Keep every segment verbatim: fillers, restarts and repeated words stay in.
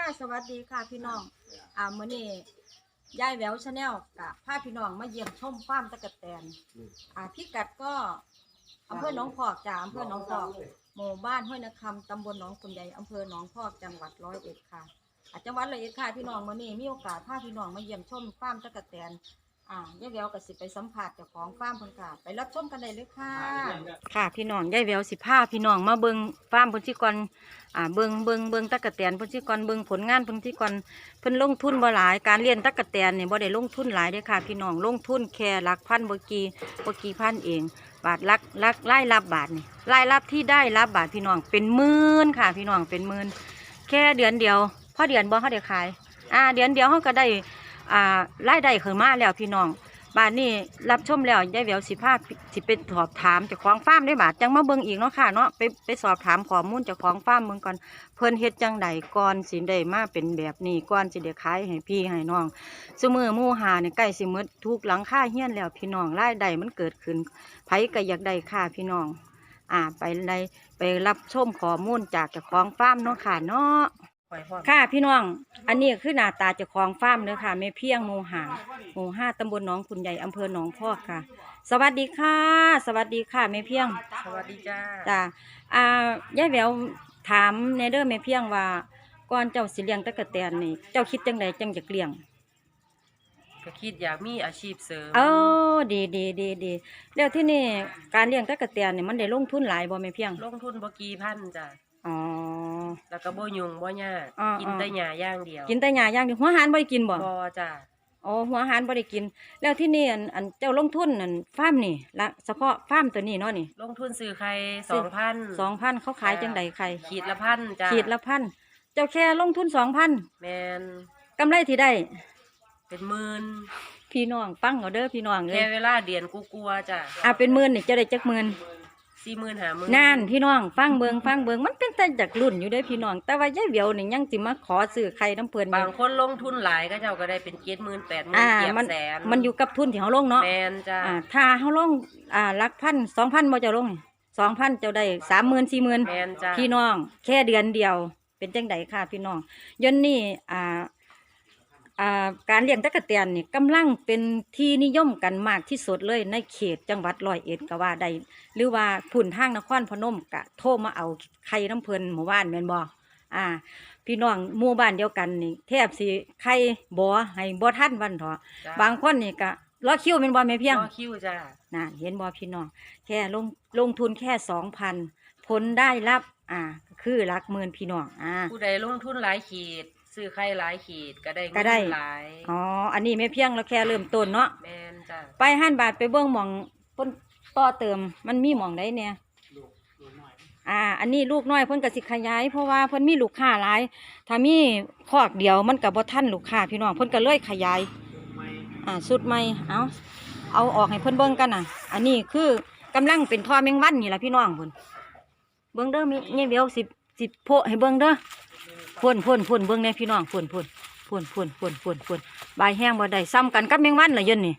สวัสดีค่ะพี่น้องอ่ามื้อนี้ยายแหววชาแนลกับพาพี่น้องมาเยี่ยมชมฟาร์มตะกะแตนอ่าพิกัดก็อำเภอหนองพอกจากอำเภอหนองพอกหมู่บ้านห้วยนาคำตำบลหนองคุณใหญ่อำเภอหนองพอกจังหวัดร้อยเอ็ดค่ะอาจังหวัดร้อยเอ็ดค่ะพี่น้องมื้อนี้มีโอกาสพาพี่น้องมาเยี่ยมชมฟาร์มตะกะแตนอ่ายายแหววก็สิไปสัมผัสเจ้าของฟาร์มเพิ่นค่ะไปรับชมกันได้เลยค่ะค่ะพี่น้องยายแหววสิพาพี่น้องมาเบิ่งฟาร์มเพิ่นสิก่อนอ่าเบิ่งเบิ่งเบิ่งตะกะแตนเพิ่นสิก่อนเบิ่งผลงานเพิ่นสิก่อนเพิ่นลงทุนบ่หลายการเลี้ยงตะกะแตนนี่บ่ได้ลงทุนหลายเด้อค่ะพี่น้องลงทุนแค่หลักพันบ่กี่บ่กี่พันเองบาทลักลักรายรับบาทนี่รายรับที่ได้รับบาทพี่น้องเป็นหมื่นค่ะพี่น้องเป็นหมื่นแค่เดือนเดียวพอเดือนบ่เฮาได้ขายอ่าเดือนเดียวเฮาก็ได้อ่ารายได้ขึ้นมาแล้วพี่น้องบาทนี้รับชมแล้วยายแหววสิพาสิไปสอบถามเจ้าของฟาร์มได้บาทจังมาเบิ่งอีกเนาะค่ะเนาะไปไปสอบถามข้อมูลเจ้าของฟาร์มเบิ่งก่อนเพิ่นเฮ็ดจังใดก่อนสิได้มาเป็นแบบนี้ก่อนสิได้ขายให้พี่ให้น้องซุมื้อหมู่หาเนี่ยใกล้สิหมดทุกหลังคาเฮียนแล้วพี่น้องรายได้มันเกิดขึ้นไผก็อยากได้ค่ะพี่น้องอ่าไปได้ไปรับชมข้อมูลจากเจ้าของฟาร์มเนาะค่ะเนาะค่ะพี่น้องอันนี้คือหน้าตาเจ้าของฟาร์มเด้อค่ะแม่เพียงหมู่ห้าหมู่ห้าตำบลหนองคุณใหญ่อำเภอหนองพอกค่ะสวัสดีค่ะสวัสดีค่ะแม่เพียงสวัสดีจ้าจ้าอ่ายายแหววถามในเด้อแม่เพียงว่าก่อนเจ้าสิเลี้ยงตะกะแตนนี่เจ้าคิดจังใดจังอยากเลี้ยงก็คิดอยากมีอาชีพเสริมเออดีดีดีดีแล้วที่นี่การเลี้ยงตะกะแตนนี่มันได้ลงทุนหลายบ่แม่เพียงลงทุนบ่กี่พันจ้ะอ๋อแล้วก็บ่ยุ่งบ่ยากกินแต่หญ้าอย่างเดียวกินแต่หญ้าอย่างเดียวหัวอาหารบ่ได้กินบ่บ่จ้ะอ๋อหัวอาหารบ่ได้กินแล้วที่นี่อันอันเจ้าลงทุนอันฟาร์มนี่ละเฉพาะฟาร์มตัวนี้เนาะนี่ลงทุนซื้อไข่สองพันสองพันเขาขายจังใดไข่ขีดละพันจ้ะขีดละพันเจ้าแค่ลงทุนสองพันแม่นกำไรที่ได้เป็นหมื่นพี่น้องฟังเอาเด้อพี่น้องเลยแค่เวลาเดือนกูกลัวจ้ะอ่ะเป็นหมื่นนี่จะได้จักหมื่นสี่หมื่นห้าหมื่นนั่นพี่น้องฟังเบิงฟังเบิงมันเป็นแต่จากรุ่นอยู่เด้อพี่น้องแต่ว่ายายแหววนี่ยังสิมาขอซื้อไข่น้ำเพิ่นบางคนลงทุนหลายก็เจ้าก็ได้เป็นเจ็ดหมื่นแปดหมื่นเกียบแสนมันอยู่กับทุนที่เฮาลงเนาะแม่นจ้ะอ่าถ้าเฮาลงอ่าหลักพันสองพันบ่เจ้าลงสองพันเจ้าได้สามหมื่นสี่หมื่นแม่นจ้ะพี่น้องแค่เดือนเดียวเป็นจังไดค่ะพี่น้องยนนี่อ่าอ่าการเลี้ยงตะกะแตนนี่กำลังเป็นที่นิยมกันมากที่สุดเลยในเขตจังหวัดร้อยเอ็ดก็ว่าได้หรือว่าพุ่นทางนครพนมกะโทรมาเอาไข่น้ำเพิ่นหมู่บ้านแม่นบ่อ่าพี่น้องหมู่บ้านเดียวกันนี่แทบสิไข่บ่ให้บ่ทันวันเถาะบางคนนี่ก็รอคิวแม่นบ่แม่เพียงรอคิวจ้ะน่ะเห็นบ่พี่น้องแค่ลงลงทุนแค่ สองพัน ผลได้รับอ่าคือหลักหมื่นพี่น้องอ่าผู้ใดลงทุนหลายขีดซื้อไข่หลายขีดก็ได้เงินหลายอ๋ออันนี้ไม่เพียงเราแค่เริ่มต้นเนาะแม่นจ้ะไปห้านบาทไปเบิ้งหม่องเพิ่นต่อเติมมันมีหม่องใดเนี่ยอ่าอันนี้ลูกน้อยเพิ่นก็สิขยายเพราะว่าเพิ่นมีลูกค้าหลายถ้ามีคอกเดียวมันก็บ่ทันลูกค้าพี่น้องเพิ่นก็เลยขยายอ่าสุดใหม่เอาเอาออกให้เพิ่นเบิ่งกันน่ะอันนี้คือกำลังเป็นท่อแมงวันนี่ล่ะพี่น้องเพิ่นเบิ่งเด้อมีเนี่ยเดี๋ยวสิสิโพะให้เบิ่งเด้อพ่นพ่นพ่นเบิ่งเนี่ยพี่น้องพ่นพ่นพ่นพ่นพ่นพ่นพ่นใบแห้งบ่ได้ซ้ำกันกับแมงวันละยนนี่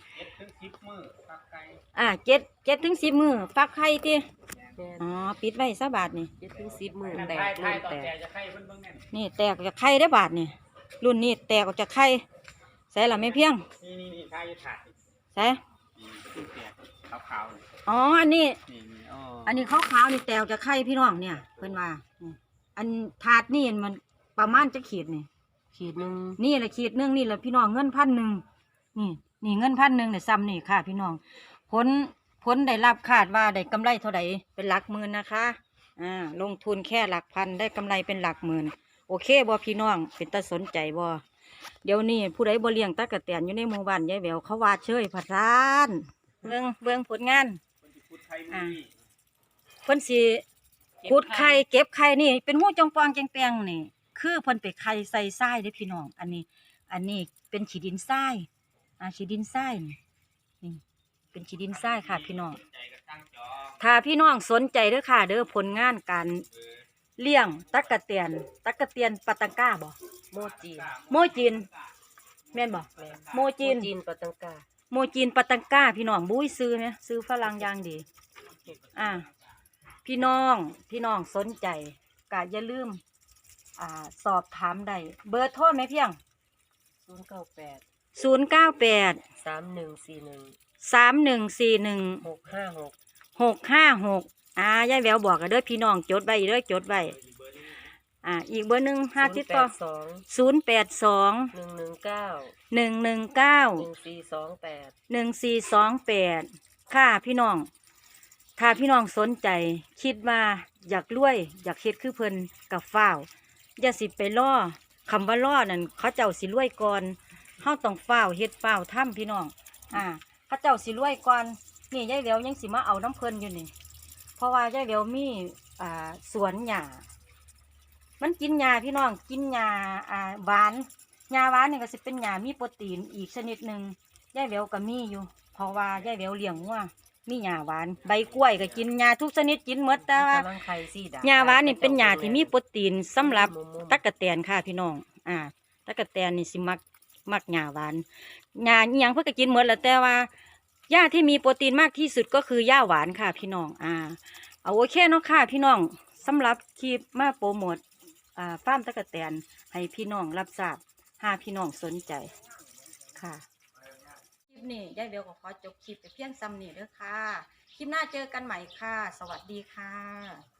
อ่าเจ็ดเจ็ดถึงสิบมือฟักไข่ติอ๋อปิดไว้ซะบาทนี่เจ็ดถึงสิบมือแตกรุ่นแตกนี่แตกจากไข่ได้บาทนี่รุ่นนี้แตกออกจากไข่ใส่ละไม่เพียงนี่นี่นี่ไข่ถาดใส่ขาวๆอ๋ออันนี้อันนี้ขาวๆนี่แตกจากไข่พี่น้องเนี่ยเพิ่นว่าอันถาดนี่มันประมาณจะขีดนี่ขีดหนึ่งนี่แหละขีดหนึ่งนี่แหละพี่น้องเงินพันหนึ่งนี่นี่เงินพันหนึ่งเนี่ยซ้ำนี่ค่ะพี่น้องผลผลได้รับคาดว่าได้กำไรเท่าไหร่เป็นหลักหมื่นนะคะอ่าลงทุนแค่หลักพันได้กำไรเป็นหลักหมื่นโอเคบ่พี่น้องเป็นตาสนใจบ่เดี๋ยวนี้ผู้ใดบ่เลี้ยงตะกะแตนอยู่ในหมู่บ้านยายแหววเขาว่าเชยผัดร้านเบื้องเบื้องผลงานอ่าเพิ่นสิขุดไข่เก็บไข่นี่เป็นหูจงปองแจงแปงนี่คือเพิ่นไปไข่ใส่ทรายเด้อพี่น้องอันนี้อันนี้เป็นขี้ดินทรายอ่าขี้ดินทรายนี่นี่เป็นขี้ดินทรายค่ะพี่น้องถ้าพี่น้องสนใจเด้อค่ะเด้อผลงานการเลี้ยงตะกะแตนตะกะแตนปาตังก้าบ่โมจีนโมจีนแม่นบ่โมจีนจีนปาตังก้าโมจีนปาตังก้าพี่น้องบุ้ยซื้อเนี่ยซื้อฝรั่งอย่างดีอ่าพี่น้องพี่น้องสนใจก็อย่าลืมอ่าสอบถามได้เบอร์โทรไหมเพียงศูนย์เก้าแปดศูนย์เก้าแปดสามหนึ่งสี่หนึ่งสามหนึ่งสี่หนึ่งหกห้าหกหกห้าหกอ่ายายแววบอกกันเด้อพี่น้องจดไว้เด้อจดไว้อ่าอีกเบอร์หนึ่งห้าติดต่อสองศูนย์แปดสองหนึ่งหนึ่งเก้าหนึ่งหนึ่งเก้าหนึ่งสี่สองแปดหนึ่งสี่สองแปดค่ะพี่น้องถ้าพี่น้องสนใจคิดว่าอยากรวย อยากเฮ็ดคือเพิ่นกับฝ้าวอย่าสิไปล่อคำว่าล่อนั่นเขาเจ้าสิรวยก่อนเฮาต้องฝ้าวเฮ็ดฝ้าวทำพี่น้องอ่าเขาเจ้าสิรวยก่อนนี่ยายแหววยังสิมาเอาน้ำเพิ่นอยู่นี่เพราะว่ายายแหววมีอ่าสวนหญ้ามันกินหญ้าพี่น้องกินหญ้าอ่าหวานหญ้าหวานนี่ก็สิเป็นหญ้ามีโปรตีนอีกชนิดหนึ่งยายแหววก็มีอยู่เพราะว่ายายแหววเลี้ยงวัวมีหญ้าหวานใบกล้วยก็กินหญ้าทุกชนิดกินหมดแต่ว่ากำลังไข่สีดาหญ้าหวานนี่เป็นหญ้าที่มีโปรตีนสำหรับมุมๆตั๊กแตนค่ะพี่น้องอ่าตั๊กแตนนี่สิมักมักหญ้าหวานหญ้าอีหยังเพิ่นก็กินหมดแหล้วแต่ว่าหญ้าที่มีโปรตีนมากที่สุดก็คือหญ้าหวานค่ะพี่น้องอ่าเอาโอเคเนาะค่ะพี่น้องสำหรับคลิปมาโปรโมทอ่าฟาร์มตั๊กแตนให้พี่น้องรับทราบหากพี่น้องสนใจค่ะคลิปนี้ยายเบลก็ขอจบคลิปไปเพียงซ้ำนี้เด้อค่ะคลิปหน้าเจอกันใหม่ค่ะ สวัสดีค่ะ